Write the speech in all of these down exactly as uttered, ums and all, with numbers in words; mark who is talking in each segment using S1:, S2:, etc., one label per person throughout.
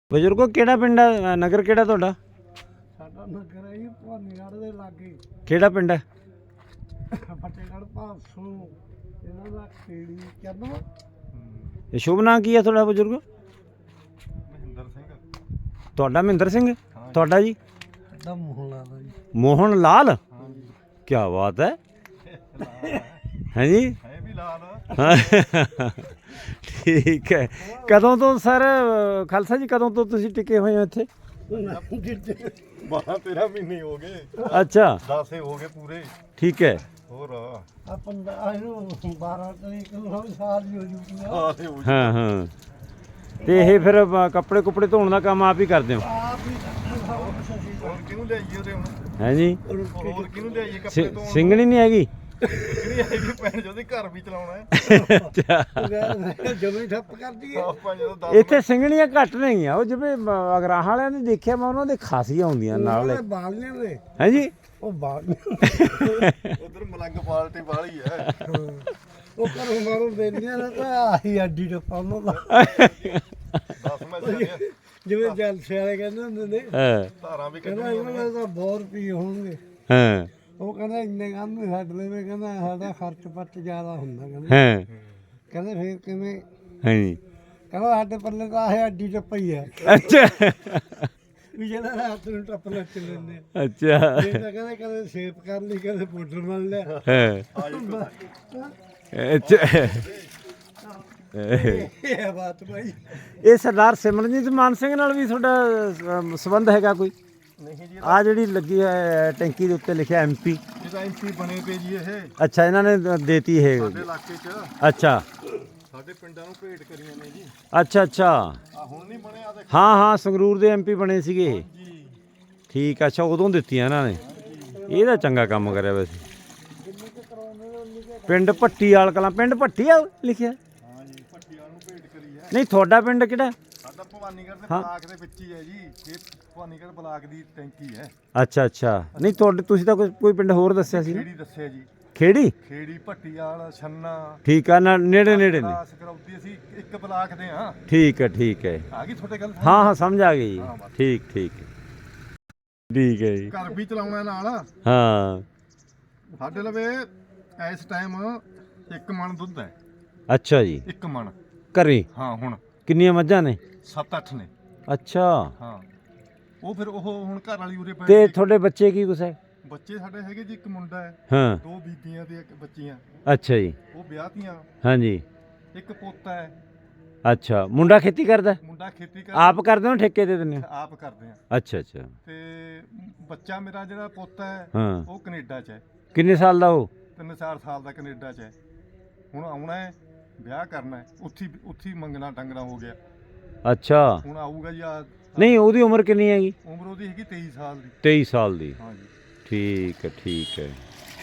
S1: ਬਜ਼ੁਰਗੋ ਕਿਹੜਾ ਪਿੰਡ ਹੈ, ਨਗਰ ਕਿਹੜਾ ਤੁਹਾਡਾ?
S2: ਸਾਡਾ ਨਗਰ ਹੈ ਜੀ ਭਵਾਨੀਗੜ੍ਹ ਦੇ ਲਾਗੇ।
S1: ਕਿਹੜਾ ਪਿੰਡ ਹੈ?
S2: ਫਤਿਹਗੜ੍ਹ ਭਾਸੋਂ ਇਹਨਾਂ ਦਾ ਖੇੜੀ ਕਹਿੰਦਾ।
S1: ਇਹ ਸ਼ੁਭ ਨਾਂ ਕੀ ਹੈ ਤੁਹਾਡਾ ਬਜ਼ੁਰਗ?
S3: ਮਹਿੰਦਰ ਸਿੰਘ।
S1: ਤੁਹਾਡਾ ਮਹਿੰਦਰ ਸਿੰਘ? ਤੁਹਾਡਾ ਜੀ?
S2: ਸਾਡਾ ਮੋਹਨ ਲਾਲ ਜੀ।
S1: ਮੋਹਨ ਲਾਲ? ਕੀ ਬਾਤ ਹੈ। ਹੈ ਜੀ?
S3: ਹੈ ਵੀ ਲਾਲ।
S1: ਠੀਕ ਹੈ। ਕਦੋਂ ਤੋਂ ਸਰ ਖਾਲਸਾ ਜੀ, ਕਦੋਂ ਤੋਂ ਤੁਸੀਂ ਟਿਕੇ ਹੋਏ ਹੋ ਇੱਥੇ?
S3: ਬਾਰਾਂ ਤੇਰਾਂ ਮਹੀਨੇ ਹੋ ਗਏ।
S1: ਅੱਛਾ,
S3: ਦਸ ਹੋ ਗਏ ਪੂਰੇ।
S1: ਠੀਕ ਹੈ।
S3: ਹੋਰ
S2: ਆ ਪੰਦਰਾਂ ਇਹਨੂੰ ਬਾਰਾਂ ਤਰੀਕ ਨੂੰ ਸਾਲ ਹੀ ਹੋ ਜੂਗੀ।
S3: ਆਹ ਹੋ
S1: ਹਾਂ ਹਾਂ। ਤੇ ਇਹ ਫਿਰ ਬ- ਕੱਪੜੇ ਕੁਪੜੇ ਧੋਣ ਦਾ ਕੰਮ ਆਪ ਹੀ ਕਰਦੇ ਹੋ?
S2: ਆਪ ਹੀ ਕਰਨਾ ਸਭ ਕੁਛ ਅਸੀਂ
S3: ਹੋਰ ਕਿਹਨੂੰ ਲਿਆਈਏ ਉਹਦੇ ਹੁਣ?
S1: ਹੈ ਜੀ?
S3: ਹੋਰ ਕਿਹਨੂੰ ਲਿਆਈਏ ਕੱਪੜੇ
S1: ਸਿ-
S3: ਧੋਣ?
S1: ਸਿੰਘਣੀ ਨਹੀਂ ਹੈਗੀ?
S3: ਕਿਹੜੀ ਹੈਗੀ ਭੈਣ ਜਿਹਦੇ ਘਰ ਵੀ ਚਲਾਉਣਾ ਹੈ।
S1: ਅੱਛਾ,
S2: ਜਮੇ ਠੱਪ ਕਰਦੀ ਹੈ।
S3: ਆਪਾਂ ਜਦੋਂ ਦਸ
S1: ਇੱਥੇ ਸਿੰਘਣੀਆਂ ਘੱਟ ਨਹੀਂ ਆ। ਉਹ ਜਿਵੇਂ ਅਗਰਾਹਾਂ ਵਾਲਿਆਂ ਨੇ ਦੇਖਿਆ, ਮੈਂ ਉਹਨਾਂ ਦੇ ਖਾਸੀਆਂ ਹੁੰਦੀਆਂ ਨਾਲ।
S2: ਉਹਨਾਂ ਦੇ ਬਾਲੀਆਂ ਦੇ
S1: ਹੈ ਜੀ?
S2: ਉਹ ਬਾਲੀਆਂ
S3: ਉਧਰ ਮਲੰਗ ਪਾਲਟੀ ਵਾਲੀ ਹੈ।
S2: ਉਹ ਘਰੋਂ ਮਾਰੋਂ ਦੇਣੀਆਂ ਨਾ ਤਾਂ ਆਹੀ ਅੱਡੀ ਟੱਪਾ ਉਹਨਾਂ ਦਾ।
S3: ਦਸ ਮੈਂ ਸਾਰੀਆਂ
S2: ਜਿਵੇਂ ਜਲਸੇ ਵਾਲੇ ਕਹਿੰਦੇ ਹੁੰਦੇ ਨੇ,
S1: ਹਾਂ
S3: ਧਾਰਾਂ ਵੀ
S2: ਕਹਿੰਦਾ
S3: ਕੱਢਣੀਆਂ
S2: ਇਹਨਾਂ
S3: ਨੇ।
S2: ਦੇ ਤਾਂ ਬਹੁਤ ਰੁਪਏ ਹੋਣਗੇ।
S1: ਹਾਂ
S2: ਉਹ ਕਹਿੰਦਾ ਇੰਨੇ ਕੰਮ ਨਹੀਂ ਛੱਡ ਲੈਵੇ, ਕਹਿੰਦਾ ਸਾਡਾ ਖਰਚ ਪੱਟ ਜ਼ਿਆਦਾ ਹੁੰਦਾ। ਕਹਿੰਦਾ
S1: ਹਾਂ
S2: ਕਹਿੰਦੇ ਫੇਰ ਕਿਵੇਂ?
S1: ਹਾਂ ਜੀ।
S2: ਕਹਿੰਦਾ ਸਾਡੇ ਪੱਲੇ ਤਾਂ ਆਹ ਅੱਡੀ ਟੱਪਾ ਹੀ ਹੈ
S1: ਅੱਛਾ
S2: ਵੀ ਜਿਹੜਾ ਰਾਤ ਨੂੰ ਟੱਪ ਲੱਗ ਲੈਂਦੇ ਆ।
S1: ਅੱਛਾ।
S2: ਇਹ ਤਾਂ ਕਹਿੰਦੇ ਕਦੇ ਸ਼ੇਪ ਕਰ ਲਈ, ਕਦੇ ਪਾਊਡਰ ਮਲ ਲਿਆ।
S1: ਹਾਂ ਅੱਛਾ।
S2: ਇਹ ਹੈ ਬਾਤ ਭਾਈ।
S1: ਇਹ ਸਰਦਾਰ ਸਿਮਰਨਜੀਤ ਮਾਨ ਸਿੰਘ ਨਾਲ ਵੀ ਤੁਹਾਡਾ ਅਮ, ਸੰਬੰਧ ਹੈਗਾ ਕੋਈ?
S3: ਨਹੀਂ ਜੀ,
S1: ਆ ਜਿਹੜੀ ਲੱਗੀ ਹੈ ਟੈਂਕੀ ਦੇ ਉੱਤੇ ਲਿਖਿਆ ਐਮਪੀ।
S3: ਇਹਦਾ ਐਮਪੀ ਬਣੇ ਪਏ ਜੀ ਇਹ
S1: ਅੱਛਾ, ਇਹਨਾਂ ਨੇ ਦੇਤੀ ਇਹ?
S3: ਸਾਡੇ ਇਲਾਕੇ 'ਚ
S1: ਅੱਛਾ
S3: ਸਾਡੇ ਪਿੰਡਾਂ ਨੂੰ ਭੇਟ ਕਰੀਆਂ ਨੇ ਜੀ।
S1: ਅੱਛਾ ਅੱਛਾ।
S3: ਆ ਹੁਣ ਨਹੀਂ ਬਣਿਆ ਦੇਖ
S1: ਹਾਂ ਹਾਂ, ਸੰਗਰੂਰ ਦੇ ਐਮਪੀ ਬਣੇ ਸੀਗੇ ਇਹ।
S3: ਜੀ।
S1: ਠੀਕ ਆ, ਅੱਛਾ ਉਦੋਂ ਦਿੱਤੀਆਂ ਇਹਨਾਂ ਨੇ। ਇਹਦਾ ਚੰਗਾ ਕੰਮ ਕਰਿਆ ਵੈਸੇ। ਪਿੰਡ ਭੱਟੀ ਵਾਲ ਕਲਾਂ, ਪਿੰਡ ਭੱਟੀ ਆ ਲਿਖਿਆ?
S3: ਹਾਂ ਜੀ, ਭੱਟੀਆਂ ਨੂੰ ਭੇਟ ਕਰੀ ਹੈ।
S1: ਨਹੀਂ, ਤੁਹਾਡਾ ਪਿੰਡ ਕਿਹੜਾ?
S3: ਸਾਡਾ ਭਵਾਨੀਗੜ੍ਹ ਦੇ
S1: ਹਾਂ।
S3: ਬਲਾਕ ਦੇ ਵਿੱਚ ਹੀ ਹੈ ਜੀ। ਇਹ ਭਵਾਨੀਗੜ੍ਹ ਬਲਾਕ ਦੀ ਟੈਂਕੀ ਹੈ।
S1: ਅੱਛਾ ਅੱਛਾ। ਨਹੀਂ ਤੁਹਾਡੇ, ਤੁਸੀਂ ਤਾਂ ਕੋਈ ਕੋਈ ਪਿੰਡ ਹੋਰ ਦੱਸਿਆ ਸੀ ਨਾ?
S3: ਖੇੜੀ ਦੱਸਿਆ ਜੀ।
S1: ਖੇੜੀ?
S3: ਖੇੜੀ ਭੱਟੀਆਲ ਛੰਨਾ
S1: ਠੀਕ ਆ ਨਾ, ਨੇੜੇ ਨੇੜੇ ਨੇ।
S3: ਸਕਰੌਤੀ ਅਸੀਂ ਇੱਕ ਬਲਾਕ ਦੇ ਹਾਂ।
S1: ਠੀਕ ਹੈ ਠੀਕ ਹੈ।
S3: ਆ ਗਈ ਤੁਹਾਡੇ ਗੱਲ?
S1: ਹਾਂ ਹਾਂ, ਸਮਝ ਆ ਗਈ।
S3: ਹਾਂ, ਬਸ।
S1: ਠੀਕ ਠੀਕ ਹੈ। ਠੀਕ ਹੈ ਜੀ।
S3: ਘਰ ਵੀ ਚਲਾਉਣਾ ਨਾਲ।
S1: ਹਾਂ
S3: ਸਾਡੇ ਲਵੇ ਇਸ ਟਾਈਮ ਇੱਕ ਮਣ ਦੁੱਧ ਹੈ।
S1: ਅੱਛਾ ਜੀ।
S3: ਇੱਕ ਮਣ
S1: ਘਰੇ
S3: ਹਾਂ। ਹੁਣ
S1: ਕਿੰਨੀਆਂ ਮੱਝਾਂ ਨੇ?
S3: ਸੱਤ ਅੱਠ ਨੇ।
S1: ਅੱਛਾ।
S3: ਹਾਂ, ਉਹ ਫਿਰ ਉਹ ਹੁਣ ਘਰ ਵਾਲੀ ਉਰੇ
S1: ਤੇ
S3: ਪੈ
S1: ਤੁਹਾਡੇ ਬੱਚੇ ਕੀ ਕੁਛ ਹੈ?
S3: ਬੱਚੇ ਸਾਡੇ ਹੈਗੇ ਜੀ। ਇੱਕ ਮੁੰਡਾ ਹੈ,
S1: ਹਾਂ।
S3: ਦੋ ਬੀਬੀਆਂ ਤੇ ਇੱਕ ਬੱਚੀਆਂ।
S1: ਅੱਛਾ ਜੀ।
S3: ਉਹ ਵਿਆਹਤੀਆਂ।
S1: ਹਾਂਜੀ।
S3: ਇੱਕ ਪੋਤਾ ਹੈ।
S1: ਅੱਛਾ, ਮੁੰਡਾ ਖੇਤੀ ਕਰਦਾ?
S3: ਮੁੰਡਾ ਖੇਤੀ ਕਰ
S1: ਆਪ ਕਰਦੇ ਹੋ ਠੇਕੇ ਦੇ ਦਿੰਦੇ ਹੋ?
S3: ਆਪ ਕਰਦੇ ਆ।
S1: ਅੱਛਾ ਅੱਛਾ।
S3: ਤੇ ਬੱਚਾ ਮੇਰਾ ਜਿਹੜਾ ਪੋਤਾ ਹੈ
S1: ਹਾਂ।
S3: ਉਹ ਕੈਨੇਡਾ 'ਚ ਹੈ।
S1: ਕਿੰਨੇ ਸਾਲ ਦਾ ਉਹ?
S3: ਤਿੰਨ ਚਾਰ ਸਾਲ ਦਾ ਕੈਨੇਡਾ 'ਚ ਹੈ। ਹੁਣ ਆਉਣਾ ਹੈ, ਵਿਆਹ ਕਰਨਾ ਹੈ। ਉੱਥੇ ਉੱਥੇ ਹੀ ਮੰਗਣਾ ਟੰਗਣਾ ਹੋ ਗਿਆ।
S1: ਅੱਛਾ।
S3: ਹੁਣ ਆਊਗਾ ਜੀ। ਆ
S1: ਨਹੀਂ, ਉਹਦੀ ਉਮਰ ਕਿੰਨੀ ਹੈਗੀ?
S3: ਉਮਰ ਉਹਦੀ ਹੈਗੀ ਤੇਈ ਸਾਲ ਦੀ।
S1: ਤੇਈ ਸਾਲ ਦੀ?
S3: ਹਾਂ ਜੀ।
S1: ਠੀਕ ਹੈ ਠੀਕ ਹੈ।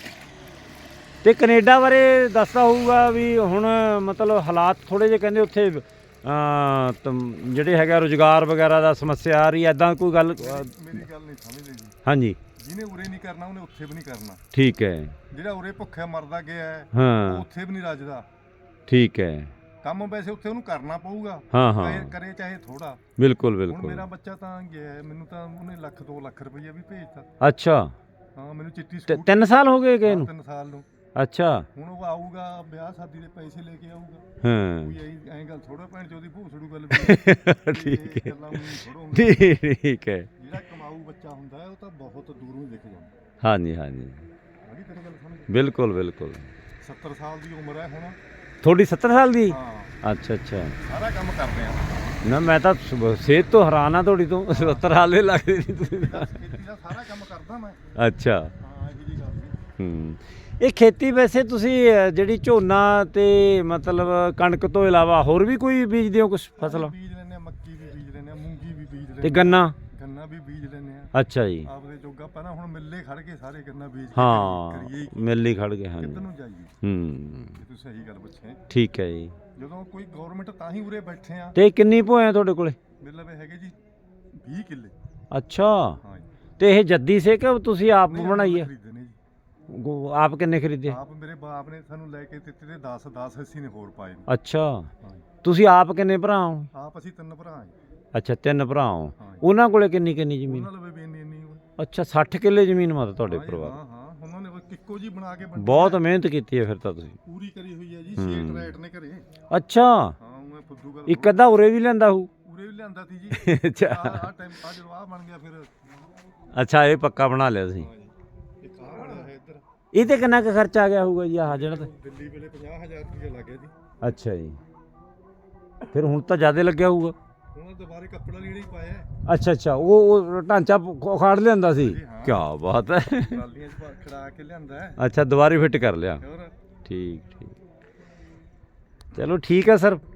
S1: ਤੇ ਕੈਨੇਡਾ ਬਾਰੇ ਦੱਸਦਾ ਹੋਊਗਾ ਵੀ ਹੁਣ ਮਤਲਬ ਹਾਲਾਤ ਥੋੜੇ ਜਿਹੇ ਕਹਿੰਦੇ ਉੱਥੇ ਅਮ, ਤਮ- ਜਿਹੜੇ ਹੈਗਾ ਰੁਜ਼ਗਾਰ ਵਗੈਰਾ ਦਾ ਸਮੱਸਿਆ ਆ ਰਹੀ ਹੈ, ਐਦਾਂ ਕੋਈ ਗੱਲ?
S3: ਮੇਰੀ ਗੱਲ ਨਹੀਂ ਸਮਝਦੇ ਜੀ।
S1: ਹਾਂਜੀ।
S3: ਜਿਹਨੇ ਉਰੇ ਨਹੀਂ ਕਰਨਾ ਉਹਨੇ ਉੱਥੇ ਵੀ ਨਹੀਂ ਕਰਨਾ।
S1: ਠੀਕ ਹੈ।
S3: ਜਿਹੜਾ ਉਰੇ ਭੁੱਖਿਆ ਮਰਦਾ ਗਿਆ ਹੈ ਉਹ
S1: ਹਾਂ
S3: ਉੱਥੇ ਵੀ ਨਹੀਂ ਰੱਜਦਾ।
S1: ਠੀਕ ਹੈ।
S3: ਕੰਮ ਵੈਸੇ ਉੱਥੇ ਉਹਨੂੰ ਕਰਨਾ ਪਊਗਾ।
S1: ਹਾਂ ਹਾਂ,
S3: ਕਰੇ- ਕਰੇ ਚਾਹੇ ਥੋੜਾ।
S1: ਬਿਲਕੁਲ
S3: ਹੁਣ
S1: ਬਿਲਕੁਲ।
S3: ਮੇਰਾ ਬੱਚਾ ਤਾਂ ਗਿਆ ਹੈ, ਮੈਨੂੰ ਤਾਂ ਉਹਨੇ ਲੱਖ ਦੋ ਲੱਖ ਰੁਪਈਆ ਵੀ ਭੇਜਤਾ।
S1: ਅੱਛਾ।
S3: ਹਾਂ, ਮੈਨੂੰ ਚਿੱਟੀ
S1: ਤੇ
S3: ਸਕੂਟਰ
S1: ਤਿੰਨ ਸਾਲ ਹੋ ਗਏ ਗਏ ਨੂੰ?
S3: ਤਿੰਨ ਸਾਲ ਨੂੰ।
S1: ਅੱਛਾ।
S3: ਹੁਣ ਉਹ ਆਊਗਾ, ਵਿਆਹ ਸ਼ਾਦੀ ਦੇ ਪੈਸੇ ਲੈ ਕੇ ਆਊਗਾ।
S1: ਹਾਂ
S3: ਕੋਈ ਐਂ ਐਂ ਗੱਲ ਥੋੜਾ ਭੈਣ ਚੋਦੀ ਭੂਸੜੂ ਗੱਲ ਵੀ
S1: ਠੀਕ ਹੈ।
S3: ਗੱਲਾਂ ਥੋੜਾ ਹੁੰਦਾ।
S1: ਠੀਕ ਹੈ।
S3: ਜਿਹੜਾ ਕਮਾਊ ਬੱਚਾ ਹੁੰਦਾ ਹੈ ਉਹ ਤਾਂ ਬਹੁਤ ਦੂਰੋਂ ਹੀ ਦਿਖ ਜਾਂਦਾ।
S1: ਹਾਂਜੀ ਹਾਂਜੀ,
S3: ਆ ਗਈ ਤੇਰੀ ਗੱਲ ਸਮਝ?
S1: ਬਿਲਕੁਲ ਬਿਲਕੁਲ।
S3: ਸੱਤਰ ਸਾਲ ਦੀ ਉਮਰ ਹੈ ਹੁਣ।
S1: ਤੁਹਾਡੀ ਸੱਤਰ ਸਾਲ ਦੀ?
S3: ਹਾਂ,
S1: ਅੱਛਾ ਅੱਛਾ।
S3: ਸਾਰਾ ਕੰਮ ਕਰਦੇ ਆ।
S1: ਨਾ ਮੈਂ ਤਾਂ ਸ- ਸਿਹਤ ਤੋਂ ਹੈਰਾਨ ਆ ਤੁਹਾਡੀ ਤੋਂ। ਸੱਤਰ ਸਾਲ ਦੇ ਲੱਗਦੇ ਨਹੀਂ ਤੁਸੀਂ ਤਾਂ।
S3: ਖੇਤੀ ਦਾ ਸਾਰਾ ਕੰਮ ਕਰਦਾ ਮੈਂ।
S1: ਅੱਛਾ।
S3: ਹਾਂ, ਇਹੋ ਜੀ ਗੱਲ ਨਹੀਂ।
S1: ਹੂੰ। ਇਹ ਖੇਤੀ ਵੈਸੇ ਤੁਸੀਂ ਅ, ਜਿਹੜੀ ਝੋਨਾ ਤੇ ਮਤਲਬ ਕਣਕ ਤੋਂ ਇਲਾਵਾ ਹੋਰ ਵੀ ਕੋਈ ਬੀਜਦੇ ਹੋ ਕੁਛ ਫਸਲ?
S3: ਬੀਜ ਲੈਂਦੇ ਆ, ਮੱਕੀ ਵੀ ਬੀਜ ਲੈਂਦੇ ਆ, ਮੂੰਗੀ ਵੀ ਬੀਜ ਲੈਂਦੇ
S1: ਤੇ
S3: ਆ,
S1: ਗੰਨਾ?
S3: ਗੰਨਾ ਵੀ ਬੀਜ ਲੈਂਦੇ ਆ।
S1: ਅੱਛਾ ਜੀ।
S3: ਆਪਦੇ ਜੋਗਾ ਪਹਿਲਾਂ ਹੁਣ ਮਿੱਲੇ ਖੜ ਕੇ ਸਾਰੇ ਗੰਨਾ ਬੀਜ ਕੇ
S1: ਹਾਂ,
S3: ਕਰੀਏ ਕੀ?
S1: ਮਿਲ ਹੀ ਖੜ ਗਏ। ਹਾਂਜੀ।
S3: ਕਿੱਧਰ ਨੂੰ ਜਾਈਏ?
S1: ਹੂੰ,
S3: ਇਹ ਤੁਸੀਂ ਸਹੀ ਗੱਲ ਪੁੱਛੇ।
S1: ਠੀਕ ਹੈ ਜੀ।
S3: ਜਦੋਂ ਕੋਈ ਗਵਰਨਮੈਂਟ ਤਾਂ ਹੀ ਉਰੇ ਬੈਠੇ ਆ।
S1: ਤੇ ਕਿੰਨੀ ਭੋਏ ਆ ਤੁਹਾਡੇ ਕੋਲੇ?
S3: ਮੇਰੇ ਲਵੇ ਹੈਗੇ ਜੀ ਵੀਹ ਕਿੱਲੇ।
S1: ਅੱਛਾ।
S3: ਹਾਂ ਜੀ।
S1: ਤੇ ਇਹ ਜੱਦੀ ਸੇ ਕਿ ਤੁਸੀਂ ਆਪ
S3: ਨਹੀਂ,
S1: ਬਣਾਈ ਹੈ?
S3: ਖਰੀਦੇ ਨੇ ਜੀ।
S1: ਗੋ- ਆਪ ਕਿੰਨੇ ਖਰੀਦੇ?
S3: ਆਪ ਮੇਰੇ ਬਾਪ ਨੇ ਸਾਨੂੰ ਲੈ ਕੇ ਦਿੱਤੇ ਤੇ ਦਸ ਦਸ ਅਸੀਂ ਨੇ ਹੋਰ ਪਾਏ ਨੇ।
S1: ਅੱਛਾ।
S3: ਹਾਂ ਜੀ।
S1: ਤੁਸੀਂ ਆਪ ਕਿੰਨੇ ਭਰਾ ਹੋ?
S3: ਆਪ ਅਸੀਂ ਤਿੰਨ ਭਰਾ ਹਾਂ ਜੀ।
S1: ਅੱਛਾ ਤਿੰਨ ਭਰਾ ਹੋ
S3: ਹਾਂ ਜੀ।
S1: ਉਹਨਾਂ ਕੋਲੇ ਕਿੰਨੀ ਕਿੰਨੀ ਜ਼ਮੀਨ
S3: ਉਹਨਾਂ ਲਵੇ ਵੀ ਇੰਨੀ ਇੰਨੀ ਹੋਈ।
S1: ਅੱਛਾ ਸੱਠ ਕਿੱਲੇ ਜ਼ਮੀਨ ਮਤ ਤੁਹਾਡੇ
S3: ਹਾਂ ਜੀ,
S1: ਪਰਿਵਾਰ
S3: ਹਾਂ ਹਾਂ ਉਹਨਾਂ ਨੇ ਕੋਈ ਇੱਕੋ ਜੀ ਬਣਾ ਕੇ ਵੰਡੀ
S1: ਬਹੁਤ
S3: ਹੈ।
S1: ਮਿਹਨਤ ਕੀਤੀ ਹੈ ਫਿਰ ਤਾਂ ਤੁਸੀਂ
S3: ਪੂਰੀ ਕਰੀ ਹੋਈ ਹੈ ਜੀ
S1: ਹੂੰ।
S3: ਛੇ ਟਰੈਟ ਨੇ ਘਰੇ।
S1: ਅੱਛਾ
S3: ਹਾਂ ਉਹ ਫੁੱਦੂ ਗੱਲ
S1: ਇੱਕ ਅੱਧਾ ਉਰੇ ਵੀ ਲੈਂਦਾ ਹੂ
S3: ਉਰੇ ਵੀ ਲਿਆਂਦਾ ਸੀ ਜੀ।
S1: ਅੱਛਾ
S3: ਆ ਆ ਟਾਈਮ ਆ ਜਦੋਂ ਆ ਬਣ ਗਿਆ ਫਿਰ
S1: ਅੱਛਾ ਇਹ ਪੱਕਾ ਬਣਾ ਲਿਆ ਤੁਸੀਂ
S3: ਹਾਂ ਜੀ ਇੱਕ ਆ ਬਣਿਆ ਹੈ ਇੱਧਰ।
S1: ਇਹ ਤੇ ਕਿੰਨਾ ਕੁ ਖਰਚਾ ਆ ਗਿਆ ਹੋਊਗਾ ਜੀ ਆਹ ਜਿਹੜਾ ਤੇ
S3: ਦਿੱਲੀ ਵੇਲੇ ਪੰਜਾਹ ਹਜ਼ਾਰ ਰੁਪਏ ਲੱਗ ਗਿਆ ਜੀ।
S1: ਅੱਛਾ ਜੀ ਫਿਰ ਹੁਣ ਤਾਂ ਜ਼ਿਆਦਾ ਲੱਗਿਆ ਹੋਊਗਾ
S3: ਉਹਨਾਂ ਦੁਬਾਰੇ ਕੱਪੜਾ ਲੀੜਾ ਹੀ ਪਾਇਆ ਹੈ।
S1: ਅੱਛਾ ਅੱਛਾ ਉਹ ਉਹ ਢਾਂਚਾ ਉਖਾੜ ਲਿਆਂਦਾ ਸੀ
S3: ਜੀ, ਹਾਂ।
S1: ਕੀ ਬਾਤ ਹੈ
S3: ਟਰਾਲੀਆਂ 'ਚ ਪਾ- ਖੜਾ ਕੇ ਲਿਆਂਦਾ ਹੈ।
S1: ਅੱਛਾ ਦੁਬਾਰੇ ਫਿੱਟ ਕਰ ਲਿਆ
S3: ਹੋਰ
S1: ਠੀਕ ਠੀਕ ਚਲੋ ਠੀਕ ਹੈ ਸਰ